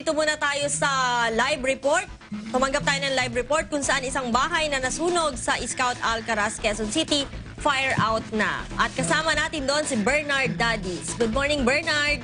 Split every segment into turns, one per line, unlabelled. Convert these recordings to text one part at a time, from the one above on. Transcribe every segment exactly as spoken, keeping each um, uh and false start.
dito muna tayo sa live report. Tumanggap tayo ng live report kung saan isang bahay na nasunog sa Scout Alcaraz, Quezon City, fire out na. At kasama natin doon si Bernard Dadis. Good morning, Bernard.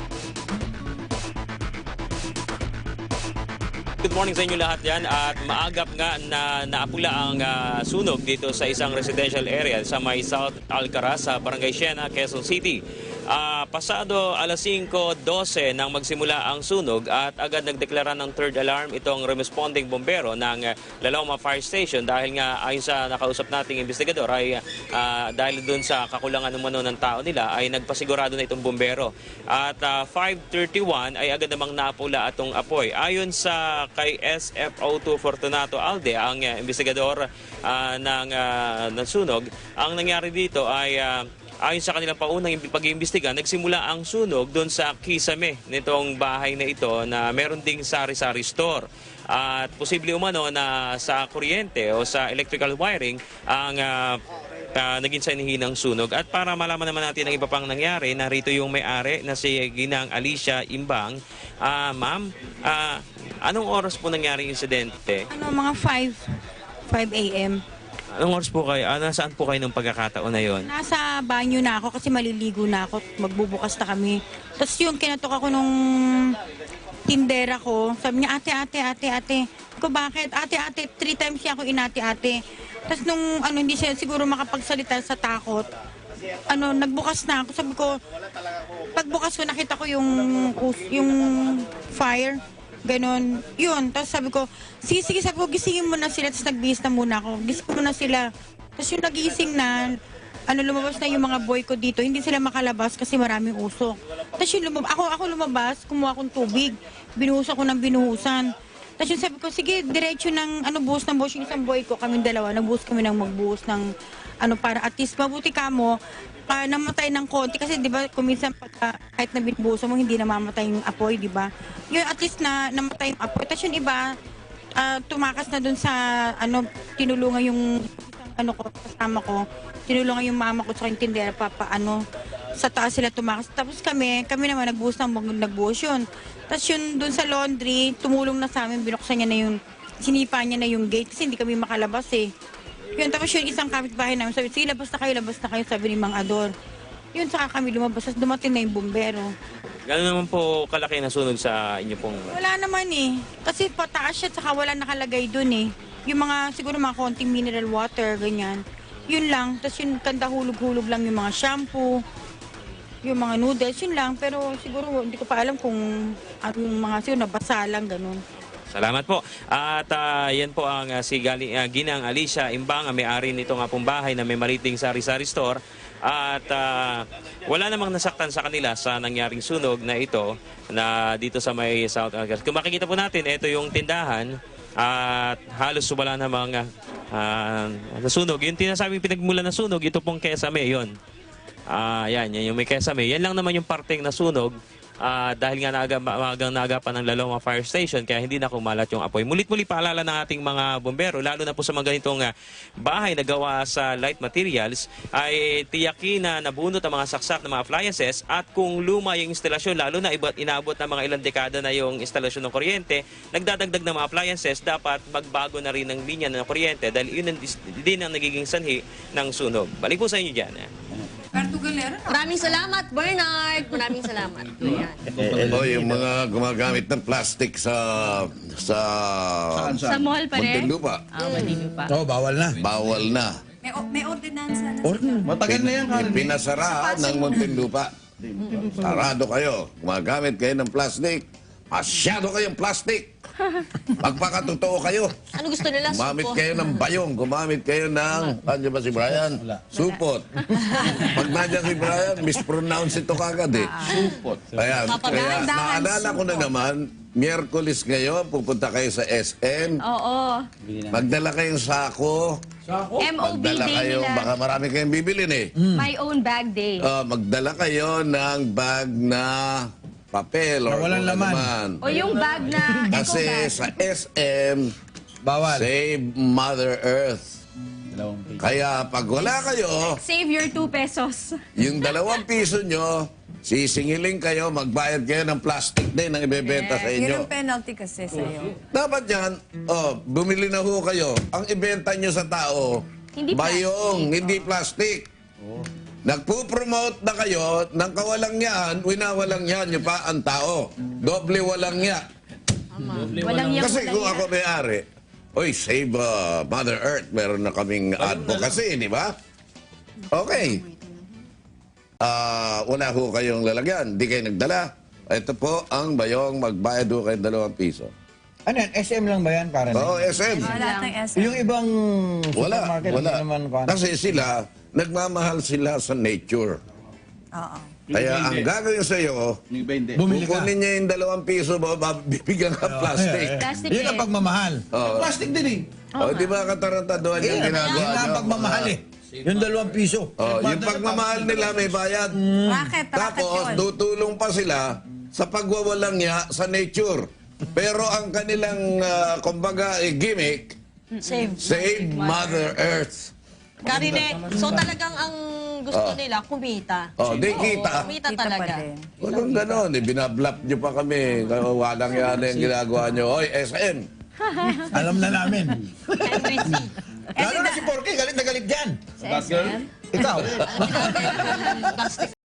Good morning sa inyo lahat yan at maagap nga na naapula ang uh, sunog dito sa isang residential area sa may South Alcaraz sa Barangay Siena, Quezon City. Uh, pasado alas singko dose nang magsimula ang sunog at agad nagdeklara ng third alarm itong responding bombero ng uh, Laloma Fire Station dahil nga ayon sa nakausap nating investigador ay uh, dahil dun sa kakulangan umano ng tao nila ay nagpasigurado na itong bombero. At uh, five thirty-one ay agad namang napula atong apoy. Ayon sa kay S F O two Fortunato Alde, ang uh, investigador uh, ng, uh, ng sunog, ang nangyari dito ay uh, ayon sa kanilang paunang pag-iimbestiga, nagsimula ang sunog doon sa kisame nitong bahay na ito na meron ding sari-sari store. At posible umano na sa kuryente o sa electrical wiring ang uh, uh, naging sanhi ng sunog. At para malaman naman natin ang iba pang nangyari, narito yung may-ari na si Ginang Alicia Imbang. Uh, Ma'am, uh, anong oras po nangyari yung insidente?
Ano, mga five a m
Anong oras po kayo? Ah, nasaan po kayo nung pagkakataon na yon?
Nasa banyo na ako kasi maliligo na ako. Magbubukas na kami. Tapos yung kinatok ako nung tindera ko, sabi niya, ate, ate, ate, ate. Ko bakit? Ate, ate, three times siya ako inati, ate. Tapos nung ano, hindi siya siguro makapagsalita sa takot, ano, nagbukas na ako. Sabi ko, pagbukas ko, nakita ko yung, yung fire. Ganon. Yun. Tapos sabi ko, sige, sige, sabi ko, gisingin mo na sila. Tapos nagbihis na muna ako. Gising mo na sila. Tapos yung nagising na, ano, lumabas na yung mga boy ko dito. Hindi sila makalabas kasi maraming usok. Tapos yung lumabas, ako, ako lumabas, kumuha akong tubig. Binuhus ako ng binuhusan. Tapos yung sabi ko, sige, diretso ng, ano, buhos ng buhos yung isang boy ko. Kaming dalawa, nagbuhos kami ng magbuhos ng, ano, para at least mabuti ka mo, uh, namatay ng konti. Kasi di ba, kuminsan pagka, kahit na binubuhusan mo, hindi namamatay yung apoy, di ba? Yung at least na namatay yung apoy. Tapos yung iba, uh, tumakas na dun sa, ano, tinulungan yung isang, ano ko, kasama ko. Tinulungan yung mama ko sa yung tindera, papa, ano, sa taas sila tumakas. Tapos kami, kami naman nagbuhos ng nagbuhos yun. Tapos yun dun sa laundry, tumulong na sa amin, binuksan niya na yung, sinipa niya na yung gate kasi hindi kami makalabas eh. Yun, tapos yun isang kapitbahay namin, sabi, sige, labas na kayo, labas na kayo, sabi ni Mang Ador. Yun, saka kami lumabas, tapos dumating na yung bumbero.
Gano'n naman po kalaki na sunog sa inyo pong...
Wala naman eh. Kasi pataas siya, saka wala nakalagay dun eh. Yung mga, siguro mga konting mineral water, ganyan. Yun lang. Tapos yung kanda hulog-hulog lang yung mga shampoo, yung mga noodles, yun lang. Pero siguro hindi ko pa alam kung anong mga, siguro nabasa lang, ganun.
Salamat po. At uh, yan po ang uh, si Gali, uh, Ginang Alicia Imbang, may-ari nito nga pong bahay na may mariting sari-sari store. At uh, wala namang nasaktan sa kanila sa nangyaring sunog na ito na dito sa may South Alcaraz. Kung makikita po natin, ito yung tindahan at halos wala namang uh, nasunog. Yung tinasabing pinagmula na sunog, ito pong Kesame, yun. Uh, yan, yan yung may Kesame. Yan lang naman yung parteng nasunog. Uh, dahil nga naga, maagang naagapan ng Laloma Fire Station kaya hindi na kumalat yung apoy. Mulit-muli paalala ng ating mga bombero, lalo na po sa mga ganitong uh, bahay na gawa sa light materials, ay tiyakin na nabunot ang mga saksak ng mga appliances at kung luma yung instalasyon, lalo na iba't inaabot ng mga ilang dekada na yung instalasyon ng kuryente, nagdadagdag ng mga appliances, dapat magbago na rin ng linya ng kuryente dahil yun din ang nagiging sanhi ng sunog. Balik po sa inyo dyan. Eh.
Maraming salamat, Bernard. Maraming salamat. Ayan.
O, yung mga gumagamit ng plastic sa sa
Sa mall pa rin?
Muntinlupa,
Ah, Muntinlupa.
Oo, bawal na.
bawal na.
May, may ordinansa na.
Matagal na yan, Karen.
Pinasara ng Muntinlupa. Sarado kayo. Gumagamit kayo ng plastic. Masyado kayong plastic. Magpakatotoo kayo.
Ano gusto nila?
Gumamit
Supo?
kayo ng bayong. Gumamit kayo ng... Ano ba si Brian? Supot. Pag nandiyan si Brian, mispronounce ito kagad eh. Supot. Kaya, kaya naalala ko na naman, Miyerkules ngayon, pupunta kayo sa S M.
Oo.
Magdala kayong sako.
M O B
Magdala
day
kayo,
nila.
baka marami kayong bibilin eh.
My own bag day.
Ah, magdala kayo ng bag na papel or
Na walang
kung ano
laman.
man.
O yung bag na eco
Kasi
bag.
sa S M,
Bawal.
save Mother Earth. Kaya pag wala kayo,
Save your two pesos.
yung dalawang piso nyo, Sisingiling kayo, magbayad kayo ng plastic din ang ibebenta sa
Yun
inyo.
ang penalty kasi sa'yo.
Dapat yan, oh, bumili na ho kayo. Ang ibenta nyo sa tao,
Hindi
bayong, hindi plastic. Nagpo-promote na kayo ng kawalang yan, winawalang yan nyo pa ang tao. Doble walang yan.
Walang yang
Kasi
walang
kung
yan.
ako may-ari, oy, save uh, Mother Earth, meron na kaming advocacy, di ba? Okay. Ah, wala ho kayong lalagyan, di kayo nagdala. Ito po ang bayong magbayad ho kayo dalawang piso.
Ano yan? S M lang ba yan? Para
Oo, S M.
Wala ng S M.
Yung ibang
Wala,
supermarket
wala.
hindi naman kuwan.
Kasi sila, nagmamahal sila sa nature.
Oo.
Kaya ang gagawin sa iyo,
Bumili ka.
kukunin niya yung dalawang piso mo, bibigyan ka plastic.
Plastic
Yun ang
eh.
pagmamahal.
Oo.
Plastic din eh.
Oh, di ba katarantaduhan yung ginagawa
Yun
nyo?
ang pagmamahal eh. Yung dalawang piso.
Oh, yung pagmamahal nila may bayad.
Racket, racket
Tapos,
yun.
tutulong pa sila sa pagwawalang niya sa nature. Pero ang kanilang, ah, kumbaga, eh, gimmick,
Save.
save Mother Earth.
Karine, so talagang ang gusto nila, kumita.
Oh, di kita.
Kumita
Kita pa
talaga.
din.
Walang ganon, eh, binablap nyo pa kami. Walang yan yung ginagawa nyo. Oy, S M.
Alam na namin.
Henry C.
Lalo na si Porky, galit na galit dyan.
Sa S M.
Ikaw.